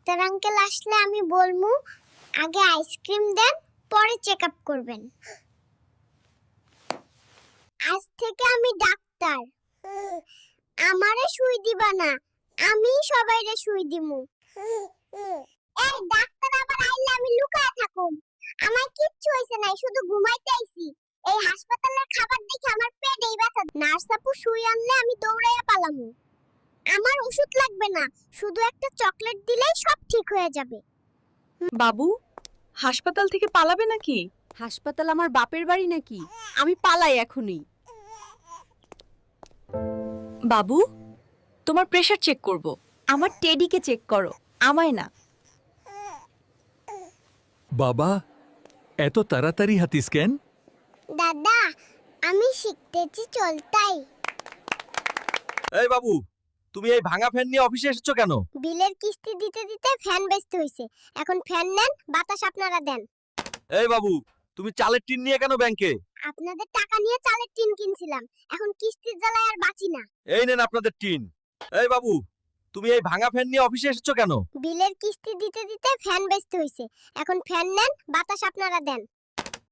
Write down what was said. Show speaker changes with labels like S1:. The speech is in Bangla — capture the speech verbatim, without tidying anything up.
S1: ডাক্তার আঙ্কেল আসলে আমি বলমু আগে আইসক্রিম দেন পরে চেকআপ করবেন। আজ থেকে আমি ডাক্তার, আমারে সুই দিবা না, আমি সবাইরে সুই দিমু। এই ডাক্তার আবার আইলে আমি লুকায় থাকুম। আমার কিচ্ছু হইছে না, শুধু ঘুমাইতে আইছি। এই হাসপাতালের খাবার দেখে আমার পেটেই ব্যথা। নার্স আপু সুই আনলে আমি দৌড়াইয়া পালামু। আমার ওষুধ লাগবে না, শুধু একটা চকলেট দিলেই সব ঠিক হয়ে যাবে।
S2: বাবু হাসপাতাল থেকে পালাবে নাকি?
S3: হাসপাতাল আমার বাপের বাড়ি নাকি? আমি পালাই এখনই।
S2: বাবু তোমার প্রেসার চেক করব।
S3: আমার টেডিকে চেক করো, আমায় না।
S4: বাবা এত তাড়াতাড়ি হাতিস কেন?
S1: দাদা আমি শিখতেছি চলতাই।
S5: এই বাবু, তুমি এই ভাঙা ফ্যান নিয়ে অফিসে এসেছো কেন?
S1: বিলের কিস্তি দিতে দিতে ফ্যান বেচতে হইছে, এখন ফ্যান নেন, বাতাস আপনারা দেন।
S5: এই বাবু, তুমি চালের টিন নিয়ে কেন ব্যাংকে?
S1: আপনাদের টাকা নিয়ে চালের টিন কিনছিলাম, এখন কিস্তির জ্বালায় আর বাঁচি না।
S5: এই নেন আপনাদের টিন। এই বাবু, তুমি এই ভাঙা ফ্যান নিয়ে অফিসে এসেছো কেন?
S1: বিলের কিস্তি দিতে দিতে ফ্যান বেচতে হইছে, এখন ফ্যান নেন, বাতাস আপনারা দেন।